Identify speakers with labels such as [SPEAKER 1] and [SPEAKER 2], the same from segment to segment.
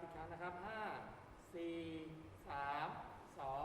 [SPEAKER 1] อีกครั้งนะครับ5 4 3 2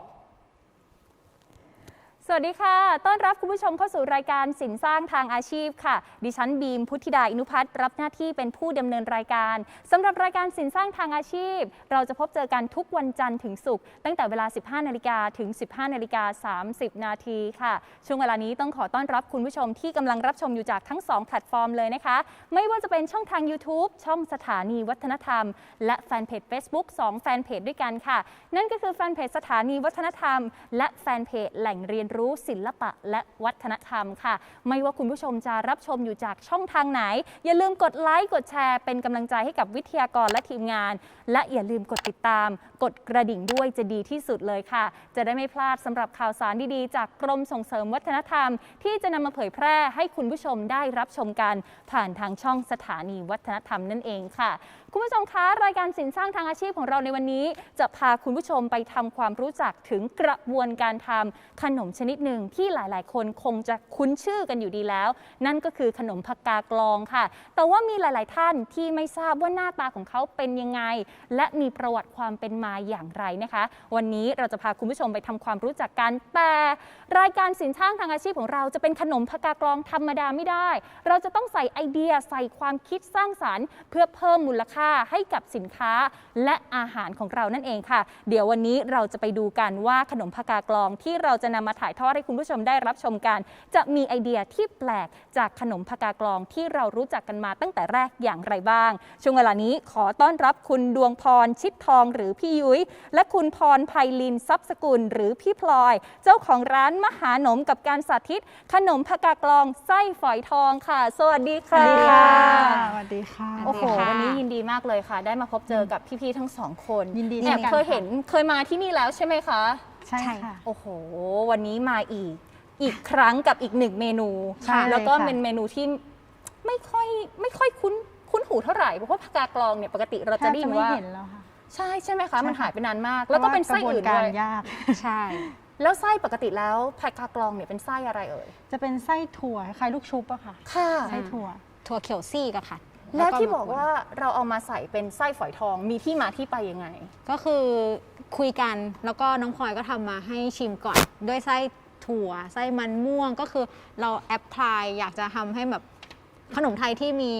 [SPEAKER 2] สวัสดีค่ะ ต้อนรับคุณผู้ชมเข้าสู่รายการสินสร้างทางอาชีพค่ะ ดิฉันบีมพุทธิดา อินุพัฒน์รับหน้าที่เป็นผู้ดำเนินรายการสำหรับรายการสินสร้างทางอาชีพเราจะพบเจอกันทุกวันจันทร์ถึงศุกร์ตั้งแต่เวลา 15 นาฬิกาถึง 15 นาฬิกา 30 นาทีค่ะ ช่วงเวลานี้ต้องขอต้อนรับคุณผู้ชมที่กำลังรับชมอยู่จากทั้ง 2 แพลตฟอร์มเลยนะคะ ไม่ว่าจะเป็นช่องทาง YouTube ช่องสถานีวัฒนธรรมและแฟนเพจ Facebook 2 แฟนเพจด้วยกันค่ะนั่นก็คือแฟนเพจสถานีวัฒนธรรมและแฟนเพจแหล่งเรียนรู้ศิลปะและวัฒนธรรมค่ะไม่ว่าคุณผู้ชมจะรับชมอยู่จากช่องทางไหนอย่าลืมกดไลค์กดแชร์เป็นกำลังใจให้กับวิทยากรและทีมงานและอย่าลืมกดติดตามกดกระดิ่งด้วยจะดีที่สุดเลยค่ะจะได้ไม่พลาดสำหรับข่าวสารดีๆจากกรมส่งเสริมวัฒนธรรมที่จะนำมาเผยแพร่ให้คุณผู้ชมได้รับชมกันผ่านทางช่องสถานีวัฒนธรรมนั่นเองค่ะคุณผู้ชมคะรายการสินสร้างทางอาชีพของเราในวันนี้จะพาคุณผู้ชมไปทำความรู้จักถึงกระบวนการทำขนมชนิดหนึ่งที่หลายๆคนคงจะคุ้นชื่อกันอยู่ดีแล้วนั่นก็คือขนมผักกากลองค่ะแต่ว่ามีหลายๆท่านที่ไม่ทราบว่าหน้าตาของเขาเป็นยังไงและมีประวัติความเป็นมาอย่างไรนะคะวันนี้เราจะพาคุณผู้ชมไปทำความรู้จักกันแต่รายการสินสร้างทางอาชีพของเราจะเป็นขนมผักกากลองธรรมดาไม่ได้เราจะต้องใส่ไอเดียใส่ความคิดสร้างสรรค์เพื่อเพิ่มมูลค่าให้กับสินค้าและอาหารของเรานั่นเองค่ะเดี๋ยววันนี้เราจะไปดูกันว่าขนมผักกากลองที่เราจะนำมาถ่ายทอดให้คุณผู้ชมได้รับชมกันจะมีไอเดียที่แปลกจากขนมผักกากลองที่เรารู้จักกันมาตั้งแต่แรกอย่างไรบ้างช่วงเวลานี้ขอต้อนรับคุณดวงพรชิดทองหรือพี่ยุ้ยและคุณพรไพลินทรัพย์สกุลหรือพี่พลอยเจ้าของร้านมหาหนมกับการสาธิตขนมผักกากลองไส้ฝอยทองค่ะสวัสดีค่ะ
[SPEAKER 3] สวัสดีค่ะ
[SPEAKER 2] โอ้โหวันนี้ยินดีมากเลยค่ะได้มาพบเจอกับพี่ๆทั้งสองคน
[SPEAKER 3] ยินดี
[SPEAKER 2] แอบเคยเห็นเคยมาที่นี่แล้วใช่ไหมคะ
[SPEAKER 3] ใช่ค่ะ
[SPEAKER 2] โอ้โหวันนี้มาอีกครั้งกับอีกหนึ่งเมนูแล้วก็เป็นเมนูที่ไม่ค่อยคุ้นหูเท่าไหร่เพราะว่าผักกากลองเนี่ยปกติเราจะได้ยินว่าใช่ไหมคะมันหายไปนานมากแล้วก็เป็นไส้อื่นด้วย
[SPEAKER 3] ยาก
[SPEAKER 2] ใช่แล้วไส้ปกติแล้วผักกากลองเนี่ยเป็นไส้อะไรเอ่ย
[SPEAKER 3] จะเป็นไส้ถั่วคล้ายลูกชุบอะค่ะไส้ถั่ว
[SPEAKER 4] เขียวซีกอะค่ะ
[SPEAKER 2] แล้วที่บอกว่าเราเอามาใส่เป็นไส้ฝอยทองมีที่มาที่ไปยังไง
[SPEAKER 4] ก็คือคุยกันแล้วก็น้องพลอยก็ทำมาให้ชิมก่อนด้วยไส้ถั่วไส้มันม่วงก็คือเราแอปพลายอยากจะทำให้แบบขนมไทยที่มี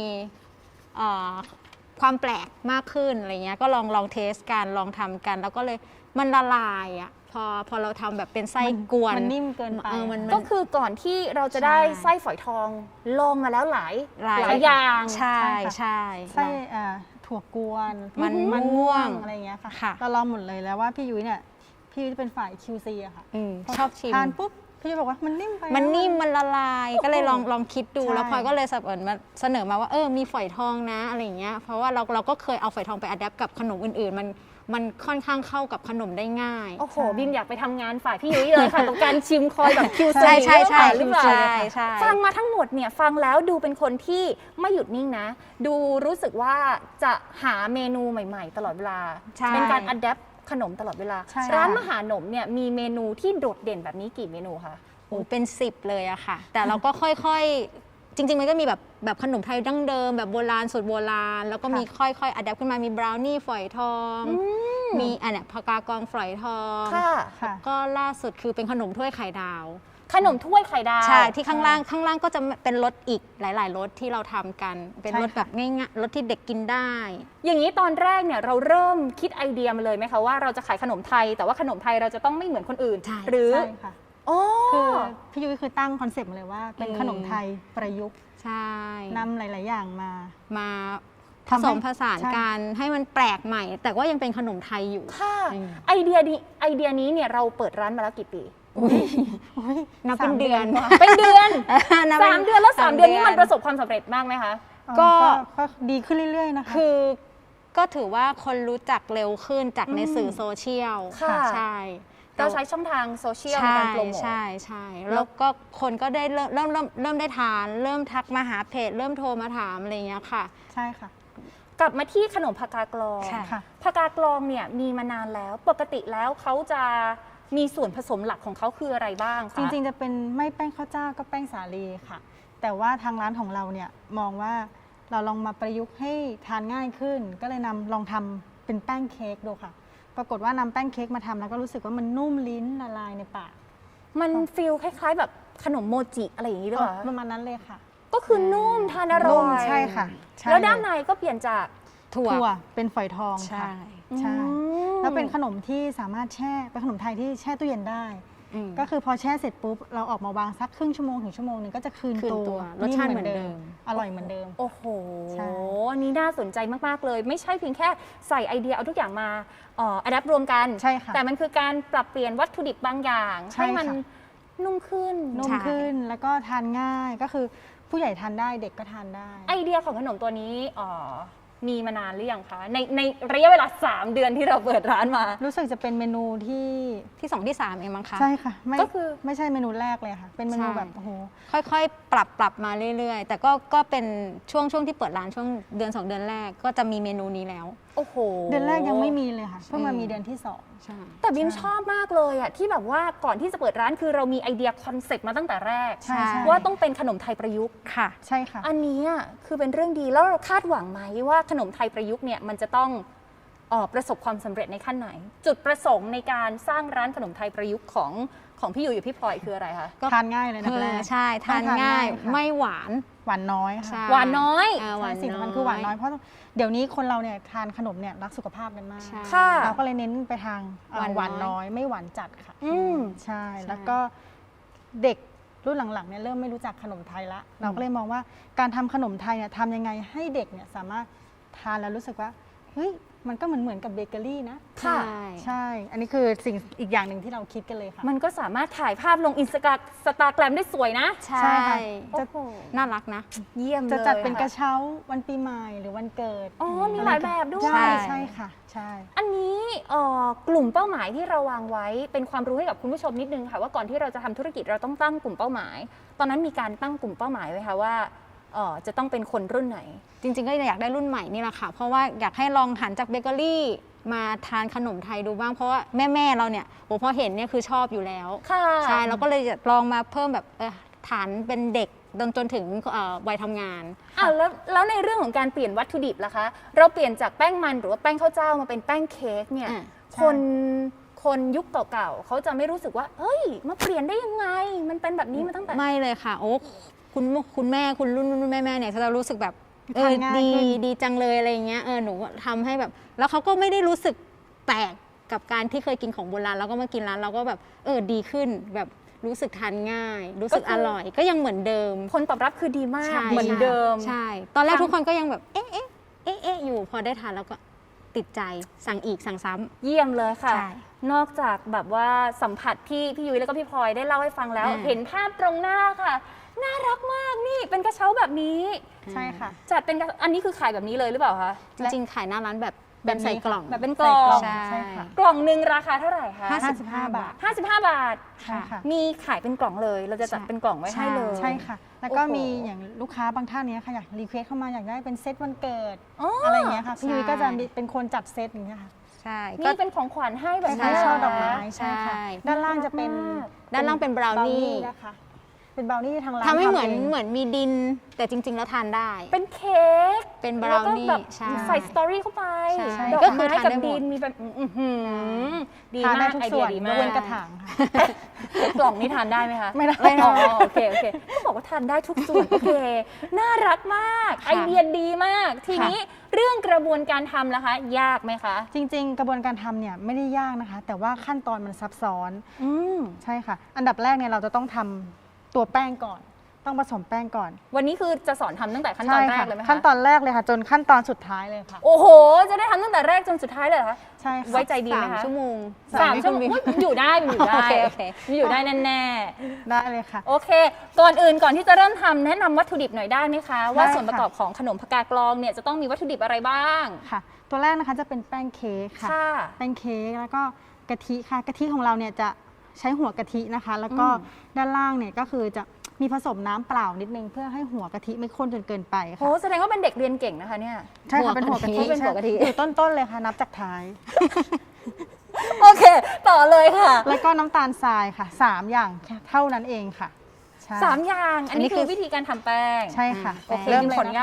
[SPEAKER 4] ความแปลกมากขึ้นอะไรเงี้ยก็ลองเทสกันลองทำกันแล้วก็เลยมันละลายอะพอเราทำแบบเป็นไส้กวน
[SPEAKER 3] มันนิ่มเกินไป
[SPEAKER 2] ก็คือก่อนที่เราจะได้ไส้ฝอยทองลองมาแล้วหลายอย่าง
[SPEAKER 4] ใช่
[SPEAKER 3] ไส้ถั่วกวน
[SPEAKER 4] มันม่วง
[SPEAKER 3] อะไรเงี้ยค่ะเราลองหมดเลยแล้วว่าพี่ยุ้ยเนี่ยพี่ยุ้ยจะเป็นฝ่าย QC อะค่ะ
[SPEAKER 4] ชอบชิม
[SPEAKER 3] ทานปุ๊บพี่ยุ้ยบอกว่ามันนิ่มไป
[SPEAKER 4] มันนิ่มมันละลายก็เลยลองคิดดูแล้วพลอยก็เลยเสนอมาว่ามีฝอยทองนะอะไรเงี้ยเพราะว่าเราก็เคยเอาฝอยทองไปอัดแอปกับขนมอื่นๆมันค่อนข้างเข้ากับขนมได้ง่าย
[SPEAKER 2] โอ้โหบิมอยากไปทำงานฝ่ายพี่ยุ้ยเลยค่ะตรงการชิมคอยแบบคิวซี
[SPEAKER 4] ใช่
[SPEAKER 2] หรือเปล่าฟังมาทั้งหมดเนี่ยฟังแล้วดูเป็นคนที่ไม่หยุดนิ่งนะดูรู้สึกว่าจะหาเมนูใหม่ๆตลอดเวลาเป็นการอัดแอปขนมตลอดเวลาร้านมหาหนมเนี่ยมีเมนูที่โดดเด่นแบบนี้กี่เมนูคะ
[SPEAKER 4] โอ้เป็น10เลยอะค่ะแต่เราก็ค่อยๆจริงๆมันก็มีแบบขนมไทยดั้งเดิมแบบโบราณสูตรโบราณแล้วก็มีค่อยๆอัดแอปขึ้นมามีบราวนี่ฝอยทองมีอันเนี้ยผักกากองฝอยทองก็ล่าสุดคือเป็นขนมถ้วยไข่ดาว
[SPEAKER 2] ขนมถ้วยไข่ดาว
[SPEAKER 4] ใช่ที่ข้างล่างก็จะเป็นรสอีกหลายๆรสที่เราทำกันเป็นรสแบบง่ายๆรสที่เด็กกินได้
[SPEAKER 2] อย่างนี้ตอนแรกเนี่ยเราเริ่มคิดไอเดียมาเลยไหมคะว่าเราจะขายขนมไทยแต่ว่าขนมไทยเราจะต้องไม่เหมือนคนอื่นหรือ
[SPEAKER 3] คือพี่ยุ้ยคือตั้งคอนเซปต์มาเลยว่าเป็นขนมไทยประยุกต์
[SPEAKER 4] ใช่
[SPEAKER 3] นำหลายๆอย่าง
[SPEAKER 4] มาผสมผสานกันให้มันแปลกใหม่แต่ก็ยังเป็นขนมไทยอยู่
[SPEAKER 2] ค่ะไอเดียนี้เนี่ยเราเปิดร้านมาแล้วกี่ปี
[SPEAKER 4] นับเป็นเดือน
[SPEAKER 2] 3 เดือนแล้ว3 เดือนนี้มันประสบความสำเร็จมากไหมคะ
[SPEAKER 3] ก็ดีขึ้นเรื่อยๆนะคะ
[SPEAKER 4] คือก็ถือว่าคนรู้จักเร็วขึ้นจากในสื่อโซเชียลใช่
[SPEAKER 2] เราใช้ช่องทางโซเชียลในการโปรโมท
[SPEAKER 4] ใช่แล้วก็คนก็ได้เริ่มได้ทานเริ่มทักมาหาเพจเริ่มโทรมาถามอะไรอย่างเงี้ยค่ะ
[SPEAKER 3] ใช่ค่ะ
[SPEAKER 2] กลับมาที่ขนมผักกากลองผักกากลองเนี่ยมีมานานแล้วปกติแล้วเขาจะมีส่วนผสมหลักของเขาคืออะไรบ้างคะ
[SPEAKER 3] จริงๆจะเป็นไม่แป้งข้าวเจ้าก็แป้งสาลีค่ะแต่ว่าทางร้านของเราเนี่ยมองว่าเราลองมาประยุกต์ให้ทานง่ายขึ้นก็เลยลองทำเป็นแป้งเค้กดูค่ะ ปรากฏว่านำแป้งเค้กมาทำแล้วก็รู้สึกว่ามันนุ่มลิ้นละลายในปาก
[SPEAKER 2] มันฟีลคล้ายๆ แบบขนมโมจิอะไรอย่างนี้หรือเปล่า
[SPEAKER 3] ประมาณนั้นเลยค่ะ
[SPEAKER 2] ก็คือนุ่มทานอร่
[SPEAKER 3] นุ่
[SPEAKER 2] อ
[SPEAKER 3] ม
[SPEAKER 2] ย
[SPEAKER 3] ใช่ค่ะใช่
[SPEAKER 2] แล้วด้านในก็เปลี่ยนจาก
[SPEAKER 4] ถั่ว
[SPEAKER 3] ถั่วเป็นฝอยทอง
[SPEAKER 4] ใช่
[SPEAKER 3] ค่ะใช่
[SPEAKER 2] อืม
[SPEAKER 3] แล้วเป็นขนมที่สามารถแช่เป็นขนมไทยที่แช่ตู้เย็นได้
[SPEAKER 4] อืม
[SPEAKER 3] ก็คือพอแช่เสร็จปุ๊บเราออกมาวางสักครึ่งชั่วโมงถึงชั่วโมงหนึงก็จะคืน
[SPEAKER 4] คืน
[SPEAKER 3] ตั
[SPEAKER 4] ตัว วรสชาติเหมือนเดิม
[SPEAKER 3] อร่อยเหมือนเดิม
[SPEAKER 2] โอ้โห
[SPEAKER 3] ใช่
[SPEAKER 2] อันนี้น่าสนใจมากๆเลย ไม่ใช่เพียงแค่ใส่ไอเดียเอาทุกอย่างมาอัดแอปรวมกัน
[SPEAKER 3] ใช่ค่ะ
[SPEAKER 2] แต่มันคือการปรับเปลี่ยนวัตถุดิบบางอย่าง
[SPEAKER 3] ใช่
[SPEAKER 2] ให้มัน
[SPEAKER 3] ค่ะ
[SPEAKER 2] นุ่มขึ้น
[SPEAKER 3] นุ่มขึ้นแล้วก็ทานง่ายก็คือผู้ใหญ่ทานได้เด็กก็ทานได้
[SPEAKER 2] ไอเดียของขนมตัวนี้มีมานานหรือยังคะ ในระยะเวลา 3 เดือนที่เราเปิดร้านมา
[SPEAKER 3] รู้สึกจะเป็นเมนูที่
[SPEAKER 4] ที่2ที่3เองมั้งคะ
[SPEAKER 3] ใช่ค่ะไม่
[SPEAKER 2] ก็คือ
[SPEAKER 3] ไม่ใช่เมนูแรกเลยค่ะ เป็นเมนู
[SPEAKER 4] ใช่
[SPEAKER 3] แบบโอ้โห
[SPEAKER 4] ค่อยๆ ปรับมาเรื่อยๆ แต่ก็เป็นช่วงที่เปิดร้านช่วงเดือน 2 เดือนแรกก็จะมีเมนูนี้แล้ว
[SPEAKER 2] โอ้โห
[SPEAKER 3] เดือนแรกยังไม่มีเลยค่ะเพิ่งมามีเดือนที่สอง
[SPEAKER 4] ใช่
[SPEAKER 2] แต่บิมชอบมากเลยอะที่แบบว่าก่อนที่จะเปิดร้านคือเรามีไอเดียคอนเซ็ปต์มาตั้งแต่แรก
[SPEAKER 3] ใช่ใช่
[SPEAKER 2] ว่าต้องเป็นขนมไทยประยุกต์
[SPEAKER 4] ค่ะ
[SPEAKER 3] ใช่ค่ะ
[SPEAKER 2] อันนี้อะคือเป็นเรื่องดีแล้วเราคาดหวังไหมว่าขนมไทยประยุกต์เนี่ยมันจะต้องประสบความสำเร็จในขั้นไหน จุดประสงค์ในการสร้างร้านขนมไทยประยุกต์ของพี่อยู่กับพี่พลอยคืออะไรคะ
[SPEAKER 3] ทานง่ายเลยนะแรก
[SPEAKER 4] ใช่ทานง่าย
[SPEAKER 3] ค่ะ
[SPEAKER 4] ไม่หวาน
[SPEAKER 3] หวานน้อย
[SPEAKER 4] ใช่
[SPEAKER 3] ค่ะ
[SPEAKER 2] หวานน้อย
[SPEAKER 4] หวาน
[SPEAKER 3] ใช่สิ่งสำคัญคือหวานน้อยเพราะเดี๋ยวนี้คนเราเนี่ยทานขนมเนี่ยรักสุขภาพกันมาก
[SPEAKER 4] ใช่
[SPEAKER 2] ค่ะ
[SPEAKER 3] เราก็เลยเน้นไปทาง
[SPEAKER 4] หวานน้อย
[SPEAKER 3] หวานน้อยไม่หวานจัดค่ะ
[SPEAKER 2] อืม
[SPEAKER 3] ใช่ แล้วก็เด็กรุ่นหลังๆเนี่ยเริ่มไม่รู้จักขนมไทยละเราก็เลยมองว่าการทำขนมไทยเนี่ยทำยังไงให้เด็กเนี่ยสามารถทานแล้วรู้สึกว่าเฮ้ยมันก็เหมือนกับเบเกอรี่นะ
[SPEAKER 2] ค่ะ
[SPEAKER 3] ใช่ อันนี้คือสิ่งอีกอย่างหนึ่งที่เราคิดกันเลยค่ะ
[SPEAKER 2] มันก็สามารถถ่ายภาพลงสตาแกรมได้สวยนะ
[SPEAKER 4] ใช่
[SPEAKER 3] ใช่ค่ะ
[SPEAKER 2] โอ้โห
[SPEAKER 4] น่ารักนะ
[SPEAKER 2] เยี่ยมเลย
[SPEAKER 3] จะจัดเป็นกระ
[SPEAKER 2] ค่
[SPEAKER 3] เช้าวันปีใหม่หรือวันเกิด
[SPEAKER 2] อ๋อมีหลายแบบด้วย
[SPEAKER 3] ใช่ใช่ค่ะใช่
[SPEAKER 2] อันนี้กลุ่มเป้าหมายที่เราวางไว้เป็นความรู้ให้กับคุณผู้ชมนิดนึงค่ะว่าก่อนที่เราจะทำธุรกิจเราต้องตั้งกลุ่มเป้าหมาย ตอนนั้นมีการตั้งกลุ่มเป้าหมายไว้ค่ะว่าจะต้องเป็นคนรุ่นไหน
[SPEAKER 4] จริงๆก็อยากได้รุ่นใหม่นี่แหละค่ะ เพราะว่าอยากให้ลองหันจากเบเกอรี่มาทานขนมไทยดูบ้าง เพราะว่าแม่เราเนี่ยโอ้พอเห็นเนี่ยคือชอบอยู่แล้ว
[SPEAKER 2] ค่ะ
[SPEAKER 4] ใช่เราก็เลยจะลองมาเพิ่มแบบฐานเป็นเด็กจนถึงวัยทำงาน
[SPEAKER 2] แล้วในเรื่องของการเปลี่ยนวัตถุดิบล่ะคะ เราเปลี่ยนจากแป้งมันหรือว่าแป้งข้าวเจ้ามาเป็นแป้งเค้กเนี่ย
[SPEAKER 4] อ่ะ
[SPEAKER 2] คนยุคเก่าๆเขาจะไม่รู้สึกว่าเอ้ยมาเปลี่ยนได้ยังไง มันเป็นแบบนี้มาตั้งแต่
[SPEAKER 4] ไม่เลยค่ะ โอ้คุณแม่คุณรุ่นแม่เนี่ยจะรู้สึกแบบ
[SPEAKER 3] ทานง่าย
[SPEAKER 4] ดี
[SPEAKER 3] ขึ้น
[SPEAKER 4] ดีจังเลยอะไรอย่างเงี้ยหนูทำให้แบบ แล้วเขาก็ไม่ได้รู้สึกแปลกกับการที่เคยกินของโบราณแล้วก็มากินร้านเราก็แบบดีขึ้นแบบรู้สึกทานง่าย รู้สึก
[SPEAKER 2] ก็คือ
[SPEAKER 4] อร่อย ก็ยังเหมือนเดิม
[SPEAKER 2] ผลตอบรับคือดีมาก
[SPEAKER 4] ใช่
[SPEAKER 2] เหมือนเดิม
[SPEAKER 4] ใช่ ตอนแรก
[SPEAKER 2] ทั้ง
[SPEAKER 4] ทุกคนก็ยังแบบเอ๊ะอยู่พอได้ทานแล้วก็ติดใจสั่งอีกสั่งซ้ำ
[SPEAKER 2] เยี่ยมเลยค่ะ
[SPEAKER 4] ใช่
[SPEAKER 2] นอกจากแบบว่าสัมผัสที่พี่ยุ้ยแล้วก็พี่พลอยได้เล่าให้ฟังแล้ว
[SPEAKER 4] อืม
[SPEAKER 2] เห็นภาพตรงหน้าค่ะ น่ารักมากนี่เป็นกระเช้าแบบนี้
[SPEAKER 3] ใช่ค่ะ
[SPEAKER 2] จัดเป็นอันนี้คือขายแบบนี้เลยหรือเปล่าคะ
[SPEAKER 4] จริงๆขายหน้าร้านแบบใส่กล่อง
[SPEAKER 2] แบบเป็นกล่อง
[SPEAKER 3] ใส่
[SPEAKER 4] ใช่
[SPEAKER 3] ค่ะ
[SPEAKER 2] กล่องหนึ่งราคาเท่าไหร่คะ
[SPEAKER 3] 55 บาท
[SPEAKER 2] 55 บาท
[SPEAKER 3] ใช่ค่ะ
[SPEAKER 2] มีขายเป็นกล่องเลย เราจะจัดเป็นกล่องไว้ให้เลย
[SPEAKER 3] ใช่ค่ะ แล้วก็
[SPEAKER 2] โอ้โห
[SPEAKER 3] มีอย่างลูกค้าบางท่านเนี้ยค่ะอยากรีเควสเข้ามาอยากได้เป็นเซตวันเกิด
[SPEAKER 2] อ๋ออ
[SPEAKER 3] อะไรอย่างเงี้ยค่ะพี่
[SPEAKER 4] ใช่
[SPEAKER 3] ยุ้ยก็จะมีเป็นคนจัดเซตอย่างเงี้ยค่ะ
[SPEAKER 4] ใช่
[SPEAKER 2] นี่เป็นของขวัญให้แบบ
[SPEAKER 3] คล้าย
[SPEAKER 2] นี้
[SPEAKER 3] ๆช่อ
[SPEAKER 2] เหร
[SPEAKER 3] ดอกไม้ใช่ค่ะ
[SPEAKER 4] ใช่
[SPEAKER 3] ด้านล่างจะเป็น
[SPEAKER 4] ด้านล่างเป็นบราวนี่
[SPEAKER 3] นะคะเป็นบราวนี่ที่ทางร้าน
[SPEAKER 4] ทำให้เหมือน
[SPEAKER 3] ง
[SPEAKER 4] เหมือนมีดิน แต่จริง ๆ แล้วทานได้
[SPEAKER 2] เป็นเค้ก
[SPEAKER 4] เป็นบ
[SPEAKER 2] แล้
[SPEAKER 4] ราว ว
[SPEAKER 2] ก็
[SPEAKER 4] นี่
[SPEAKER 2] แบบ
[SPEAKER 4] ใช่
[SPEAKER 2] ใส่สตอรี่เข้าไป
[SPEAKER 4] ใช่
[SPEAKER 2] ดอก
[SPEAKER 4] ก็คือ
[SPEAKER 2] ไม้
[SPEAKER 4] ทาน
[SPEAKER 2] กับ
[SPEAKER 4] ได้หมด
[SPEAKER 2] ดินมีแบบอื้อหือดี
[SPEAKER 3] ทาน
[SPEAKER 2] มา
[SPEAKER 3] ได้
[SPEAKER 2] ก
[SPEAKER 3] ทุก
[SPEAKER 2] ไอเดี
[SPEAKER 3] ส่
[SPEAKER 2] ย
[SPEAKER 3] วน
[SPEAKER 2] ดี
[SPEAKER 3] ย
[SPEAKER 2] มาก
[SPEAKER 3] กเว้นกระถางค่ะ
[SPEAKER 2] กล่องนี้ทานได้ไหมคะ
[SPEAKER 3] ไม่ได้
[SPEAKER 2] อ๋อโอเคก็บอกว่าทานได้ทุกส่วนโอเค น่ารักมาก ไอเดียดีมาก ทีนี้เรื่องกระบวนการทำล่ะคะ ยากไหมคะ
[SPEAKER 3] จริง ๆ กระบวนการทำเนี่ยไม่ได้ยากนะคะ แต่ว่าขั้นตอนมันซับซ้อน
[SPEAKER 2] อืม
[SPEAKER 3] ใช่ค่ะ อันดับแรกเนี่ยเราจะต้องทำตัวแป้งก่อน ต้องผสมแป้งก่อน
[SPEAKER 2] วันนี้คือจะสอนทำตั้งแต่ขั้นตอนแรกเลยไหมคะ
[SPEAKER 3] ขั้นตอนแรกเลยค่ะ จนขั้นตอนสุดท้ายเลยค่ะ
[SPEAKER 2] โอ้โห จะได้ทำตั้งแต่แรกจนสุดท้ายเลยเหรอคะ
[SPEAKER 3] ใช่ค่ะ
[SPEAKER 2] ไว้ใจดีไหมคะ
[SPEAKER 4] 3 ชั่วโมง
[SPEAKER 2] 3 ชั่วโมงอุ๊ยอยู่ได้อยู่ได้
[SPEAKER 4] โอเค
[SPEAKER 2] อยู่ได้แน่
[SPEAKER 3] ได้เลยค่ะ
[SPEAKER 2] ๆโอเค ก่อนอื่นก่อนที่จะเริ่มทำแนะนำวัตถุดิบหน่อยได้ไหมคะ ว่า
[SPEAKER 3] ได้ค่ะ
[SPEAKER 2] ส่วนประกอบของขนมผักกาดกลองเนี่ยจะต้องมีวัตถุดิบอะไรบ้าง
[SPEAKER 3] ค่ะ ตัวแรกนะคะจะเป็นแป้งเค้กค่ะ
[SPEAKER 2] ค่ะ
[SPEAKER 3] แป้งเค้กแล้วก็กะทิค่ะกะทิของเราเนี่ยจะใช้หัวกะทินะคะ แล้วก็ด้านล่างเนี่ยก็คือจะมีผสมน้ำเปล่านิดนึงเพื่อให้หัวกะทิไม่ข้นจนเกินไป
[SPEAKER 2] โห
[SPEAKER 3] ค่ะ
[SPEAKER 2] แสดงว่าเป็นเด็กเรียนเก่งนะคะเนี่ย
[SPEAKER 3] ใช่ค่ะเป็นหัวกะทิ
[SPEAKER 2] เป็นหัวกะทิ
[SPEAKER 3] ใช่อยู่ต้นๆเลยค่ะนับจากท้าย
[SPEAKER 2] โอเค ต่อเลยค่ะ
[SPEAKER 3] แล้วก็น้ำตาลทรายค่ะ3อย่างเท่านั้นเองค่ะใช่
[SPEAKER 2] 3 อย่าง อันนี้
[SPEAKER 4] อันนี้คื
[SPEAKER 2] คือ
[SPEAKER 4] อ
[SPEAKER 2] วิธีการทำแป้ง
[SPEAKER 3] ใช่ค่ะ
[SPEAKER 2] โอเค
[SPEAKER 3] เริ่ม
[SPEAKER 2] ข
[SPEAKER 3] เลย
[SPEAKER 2] ออนุญาต
[SPEAKER 3] นะ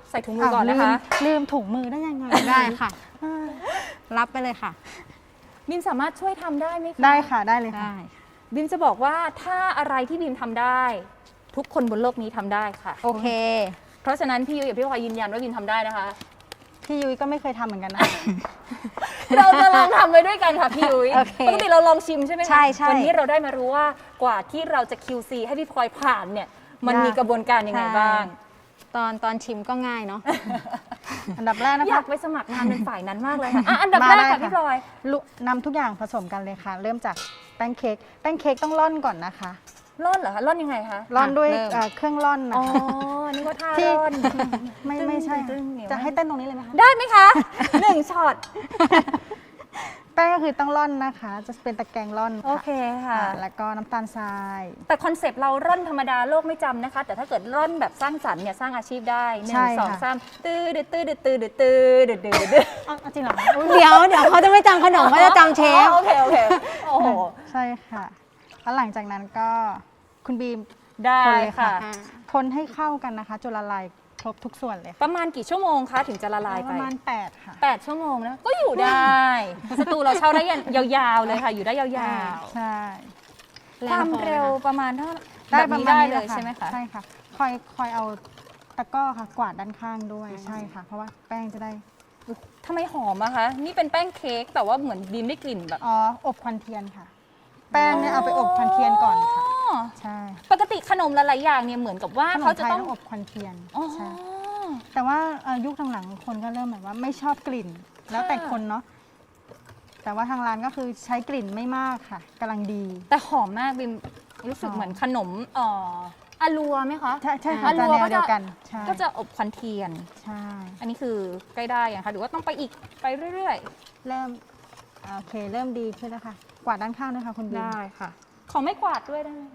[SPEAKER 2] ใส่ถุงมือก่อนนะคะ
[SPEAKER 3] ลืมถุงมือได้ยังไง
[SPEAKER 4] ได้ค่ะ รับไปเลยค่ะ
[SPEAKER 2] บิมสามารถช่วยทำได้ไหมคะ
[SPEAKER 3] ได้ค่ะได้เลยค่ะ
[SPEAKER 4] ได้
[SPEAKER 2] บิมจะบอกว่าถ้าอะไรที่บิมทำได้ ทุกคนบนโลกนี้ทำได้ค่ะ
[SPEAKER 4] โอเค
[SPEAKER 2] เพราะฉะนั้นพี่ยุ้ยกับพี่พลอยยืนยันว่าบิมทำได้นะคะ
[SPEAKER 3] พี่ยุ้ยก็ไม่เคยทำเหมือนกันนะ
[SPEAKER 2] เราจะลองทำไปด้วยกันค่ะพี่ยุ้ย
[SPEAKER 4] โอเค
[SPEAKER 2] ปกติเราลองชิมใช่ไหมคะ
[SPEAKER 4] ใช่ใช่
[SPEAKER 2] วันนี้เราได้มารู้ว่ากว่าที่เราจะ QC ให้พี่พลอยผ่านเนี่ย มันมีกระบวนการยังไงบ้าง
[SPEAKER 4] ตอนชิมก็ง่ายเนาะ
[SPEAKER 3] อันดับแรกนะ
[SPEAKER 2] อยา
[SPEAKER 3] คะ
[SPEAKER 2] กไปสมัครงานเป็นฝ่ายนั้นมากเลยค่ะอ่ะอันดับแรก
[SPEAKER 3] มาได้
[SPEAKER 2] ค่ะ
[SPEAKER 3] ค่ะ
[SPEAKER 2] พี่พลอย
[SPEAKER 3] นำทุกอย่างผสมกันเลยค่ะ เริ่มจากแป้งเค้กแป้งเค้กต้องร่อนก่อนนะคะ
[SPEAKER 2] ร่อนเหรอคะร่อนยังไงคะ
[SPEAKER 3] ร่อนด้วย
[SPEAKER 4] เริ่ม
[SPEAKER 3] เครื่องร่อนนะ
[SPEAKER 2] อ๋อ
[SPEAKER 3] คะ
[SPEAKER 2] นี่ก็ท่า
[SPEAKER 3] ที่
[SPEAKER 2] ร่อน
[SPEAKER 3] ไม่ใช่
[SPEAKER 2] ตึ้งๆเหนียว
[SPEAKER 3] จะให้เต้นตรงนี้เลยไหมคะ
[SPEAKER 2] ได้ไหมคะ1ช็อต
[SPEAKER 3] แป้งก็คือต้องร่อนนะคะ จะเป็นตะแกรงร่อน
[SPEAKER 2] โอเคค่ะ
[SPEAKER 3] แล้วก็น้ำตาลทราย
[SPEAKER 2] แต่คอนเซปต์เราร่อนธรรมดาโลกไม่จำนะคะ แต่ถ้าเกิดร่อนแบบสร้างสรรค์เนี่ยสร้างอาชีพได้หนึ่
[SPEAKER 3] ใช่
[SPEAKER 2] งสอง
[SPEAKER 3] ค่ะ
[SPEAKER 2] สามตื้อดืดตื้อดืดตื้อดืดตื้อดืดดืดดืด
[SPEAKER 3] เอาจริงเหรอคะ
[SPEAKER 4] เดี๋ยวเขาจะไม่จำขนมเขาจะจำเชฟ
[SPEAKER 2] โอเคโอเคโอ้โห
[SPEAKER 3] ใช่ค่ะ แล้วหลังจากนั้นก็คุณบีม
[SPEAKER 2] ได้
[SPEAKER 3] คนเลย
[SPEAKER 2] ค่ะ
[SPEAKER 3] ค่ะ คนให้เข้ากันนะคะจนละลายครบทุกส่วนเลยค่ะ
[SPEAKER 2] ประมาณกี่ชั่วโมงคะถึงจะละลาย
[SPEAKER 3] ป
[SPEAKER 2] ไประ
[SPEAKER 3] มาณ8ค่ะ
[SPEAKER 2] 8 ชั่วโมงนะก็อยู่ได้ สตูเราเช่าได้ยาวๆเลยค่ะ อยู่ได้ยาว
[SPEAKER 3] ใช่
[SPEAKER 2] ๆ ความเร็วประมาณเท่า
[SPEAKER 3] ได้
[SPEAKER 2] แบบ
[SPEAKER 3] ประ
[SPEAKER 2] นี้
[SPEAKER 3] มาณ
[SPEAKER 2] ได้
[SPEAKER 3] นี้
[SPEAKER 2] เล
[SPEAKER 3] แห
[SPEAKER 2] ย
[SPEAKER 3] ละค่ะ
[SPEAKER 2] ใช่ไหมคะ
[SPEAKER 3] ใช่ค่ะคอยเอาตะกร้อค่ะ กวาดด้านข้างด้วยใช่ค่ะ เพราะว่าแป้งจะได้
[SPEAKER 2] ทำไมหอมอะคะ นี่เป็นแป้งเค้กแต่ว่าเหมือนบีมได้กลิ่นแบบ
[SPEAKER 3] อ๋ออบควันเทียนค่ะ แป้งเนี่ยเอาไปอบควันเทียนก่อนค่ะ
[SPEAKER 2] อ๋อ
[SPEAKER 3] ใช่
[SPEAKER 2] ปกติขนมหลายๆอย่างเนี่ยเหมือนกับว่า
[SPEAKER 3] ขน
[SPEAKER 2] เขา
[SPEAKER 3] ม
[SPEAKER 2] จะ
[SPEAKER 3] ไทย
[SPEAKER 2] ต้อง
[SPEAKER 3] ต้องอบควันเทียน
[SPEAKER 2] อ๋อ
[SPEAKER 3] ใช่แต่ว่ายุคหลังๆคนก็เริ่มแบบว่าไม่ชอบกลิ่น แล้วแต่คนเนาะแต่ว่าทางร้านก็คือใช้กลิ่นไม่มากค่ะกำลังดี
[SPEAKER 2] แต่หอมมากบิมรู้สึก
[SPEAKER 3] หอม
[SPEAKER 2] เหมือนขนมอาลัวไหมคะ
[SPEAKER 3] ใช่ค่ะ
[SPEAKER 2] อา
[SPEAKER 3] จะ
[SPEAKER 2] ลัว
[SPEAKER 3] แน
[SPEAKER 2] ก็
[SPEAKER 3] วเดี
[SPEAKER 2] จะ
[SPEAKER 3] ยวกันใช่
[SPEAKER 2] ก็จะอบควันเทียน
[SPEAKER 3] ใช่
[SPEAKER 2] อันนี้คือใกล้ได้ยังคะหรือว่าต้องไปอีกไปเรื่อย
[SPEAKER 3] เริ่มโอเคเริ่มดีขึ้นแล้วค่ะ กวาดด้านข้างด้วยค่ะคุณ
[SPEAKER 2] ๆ
[SPEAKER 3] บีม
[SPEAKER 2] ได้ค่ะ ขอไม่กวาดด้วยได้ไหมคะ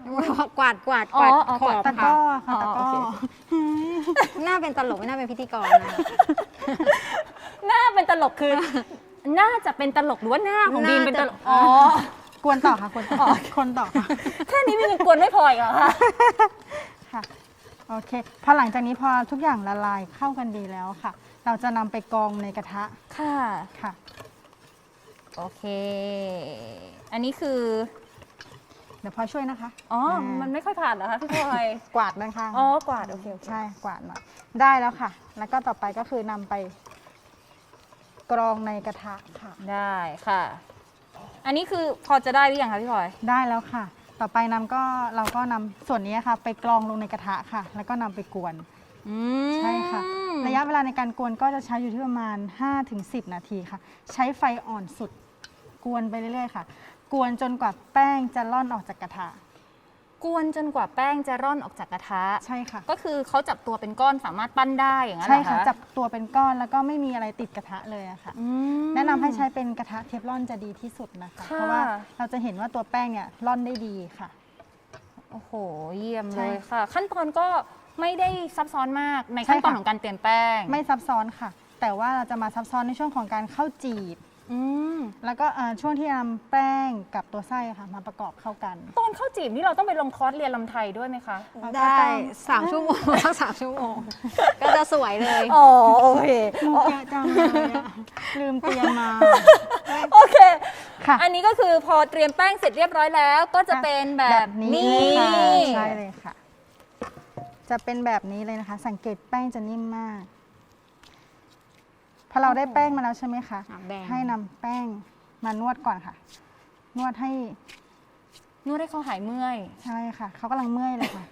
[SPEAKER 4] กวาด
[SPEAKER 2] อ๋ออ๋อ
[SPEAKER 4] ขอบ
[SPEAKER 3] ตะกร้อค่ะ
[SPEAKER 2] อ๋อ
[SPEAKER 3] ตะกร้อ
[SPEAKER 2] โอเค
[SPEAKER 4] หน้าเป็นตลกไม่น่าเป็นพิธีกรนะ
[SPEAKER 2] หน้าเป็นตลกคือ น่าจะเป็นตลกหรือว่าหน้าของบีมเป็นตลก
[SPEAKER 4] น่าจะ
[SPEAKER 2] อ๋อ
[SPEAKER 3] กวนต่อค่ะกวนต่อคนต่อค่ะ
[SPEAKER 2] แค่นี้บีมยังกวนไม่พออีกเหรอคะ
[SPEAKER 3] ค่ะโอเคพอหลังจากนี้พอทุกอย่างละลายเข้ากันดีแล้วค่ะ เราจะนำไปกรองในกระทะ
[SPEAKER 2] ค่ะ
[SPEAKER 3] ค่ะ
[SPEAKER 2] โอเค อันนี้คือ
[SPEAKER 3] เดี๋ยวพลอยช่วยนะคะ
[SPEAKER 2] อ๋อ มันไม่ค่อยผ่านเหรอคะพี่พลอย
[SPEAKER 3] กวาดด้านข้าง
[SPEAKER 2] อ๋อกวาดโอเคโอเค
[SPEAKER 3] ใช่กวาดหน่อยได้แล้วค่ะ แล้วก็ต่อไปก็คือนำไปกรองในกระทะค่ะ
[SPEAKER 2] ได้ค่ะ อันนี้คือพอจะได้หรือยังคะพี่พลอย
[SPEAKER 3] ได้แล้วค่ะ ต่อไปเราก็นำส่วนนี้ค่ะ ไปกรองลงในกระทะค่ะ แล้วก็นำไปกวน ใช่ค่ะ ระยะเวลาในการกวนก็จะใช้อยู่ที่ประมาณ 5-10 นาทีค่ะ ใช้ไฟอ่อนสุด กวนไปเรื่อยๆค่ะ กวนจนกว่าแป้งจะร่อนออกจากกระทะ
[SPEAKER 2] กวนจนกว่าแป้งจะร่อนออกจากกระทะ
[SPEAKER 3] ใช่ค่ะ
[SPEAKER 2] ก็คือเขาจับตัวเป็นก้อนสามารถปั้นได้อย่างนั้นเหร
[SPEAKER 3] ใช่
[SPEAKER 2] อ
[SPEAKER 3] ค่ะ
[SPEAKER 2] คะ
[SPEAKER 3] จับตัวเป็นก้อนแล้วก็ไม่มีอะไรติดกระทะเลยอะค่ะ
[SPEAKER 2] อืม
[SPEAKER 3] แนะนำให้ใช้เป็นกระทะเทฟลอนจะดีที่สุดนะคะ
[SPEAKER 2] ค่ะ
[SPEAKER 3] เพราะว่าเราจะเห็นว่าตัวแป้งเนี่ยร่อนได้ดีค่ะ
[SPEAKER 2] โอ้โห เยี่ยม
[SPEAKER 3] ใช่
[SPEAKER 2] เลยค่ะ ขั้นตอนก็ไม่ได้ซับซ้อนมากใน
[SPEAKER 3] ใช่
[SPEAKER 2] ขั้นตอน
[SPEAKER 3] ค่ะ
[SPEAKER 2] ของการเตรียมแป้ง
[SPEAKER 3] ไม่ซับซ้อนค่ะ แต่ว่าเราจะมาซับซ้อนในช่วงของการเข้าจีบ
[SPEAKER 2] อืม
[SPEAKER 3] แล้วก็ช่วงที่นำแป้งกับตัวไส้ค่ะมาประกอบเข้ากัน
[SPEAKER 2] ตอนเข้าจีบนี่เราต้องไปลงคอร์สเรียนลำไทยด้วยไหมคะ
[SPEAKER 4] ได้3 ชั่วโมงสัก3 ชั่วโมง ก็จะสวยเลย
[SPEAKER 2] อ๋อโอเค
[SPEAKER 3] มุกเยอะจังเลยอะลืมเตรียมมา
[SPEAKER 2] โอเค
[SPEAKER 3] ค่ะ
[SPEAKER 2] อันนี้ก็คือพอเตรียมแป้งเสร็จเรียบร้อยแล้ว ก็จะเป็นแบบนี้
[SPEAKER 3] ค่ะใช่เลยค่ะ จะเป็นแบบนี้เลยนะคะ สังเกตแป้งจะนิ่มมาก พอเราได้แป้งมาแล้วใช่ไหมคะ
[SPEAKER 4] แบ่ง
[SPEAKER 3] ให้นำแป้งมานวดก่อนค่ะ นวดให้
[SPEAKER 2] นวดให้เขาหายเมื่อย
[SPEAKER 3] ใช่ค่ะ เขากำลังเมื่อยเลยค่ะ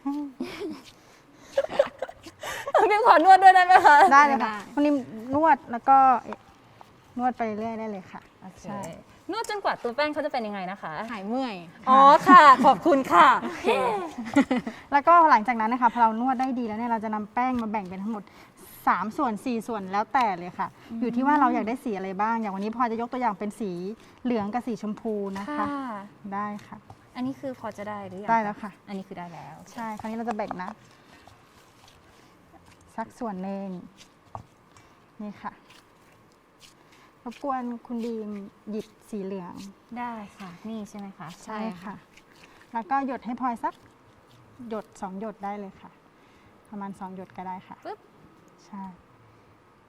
[SPEAKER 2] พี่ขอนวดด้วยได้ไหมคะ
[SPEAKER 3] ได้เลยค่ะ
[SPEAKER 4] ได้
[SPEAKER 3] วันนี้นวดแล้วก็นวดไปเรื่อยได้เลยค่ะ
[SPEAKER 2] โอเค
[SPEAKER 3] ใช่
[SPEAKER 2] นวดจนกว่าตัวแป้งเขาจะเป็นยังไงนะคะ
[SPEAKER 4] หายเมื่อย
[SPEAKER 2] อ๋อค่ะ ขอบคุณค่ะ
[SPEAKER 3] แล้วก็หลังจากนั้นนะคะพอเรานวดได้ดีแล้วเนี่ยเราจะนำแป้งมาแบ่งเป็นทั้งหมด3 ส่วน 4 ส่วนแล้วแต่เลยค่ะ อยู่ที่ว่าเราอยากได้สีอะไรบ้าง อย่างวันนี้พอจะยกตัวอย่างเป็นสีเหลืองกับสีชมพูนะคะ
[SPEAKER 2] ค่ะ
[SPEAKER 3] ได้ค่ะ
[SPEAKER 2] อันนี้คือพอจะได้หรือยัง
[SPEAKER 3] ได้แล้วค่ะ
[SPEAKER 2] อันนี้คือได้แล้ว
[SPEAKER 3] ใช่ คราวนี้เราจะแบ่งนะ สักส่วนหนึ่งนี่ค่ะรบกวนคุณบีมหยิบสีเหลือง
[SPEAKER 2] ได้ค่ะ นี่ใช่ไหมคะ
[SPEAKER 3] ใช่ค่ะ แล้วก็หยดให้พลอยสักหยด2 หยดได้เลยค่ะ ประมาณ2 หยดก็ได้ค่ะ
[SPEAKER 2] ปึ๊บ
[SPEAKER 3] ใช่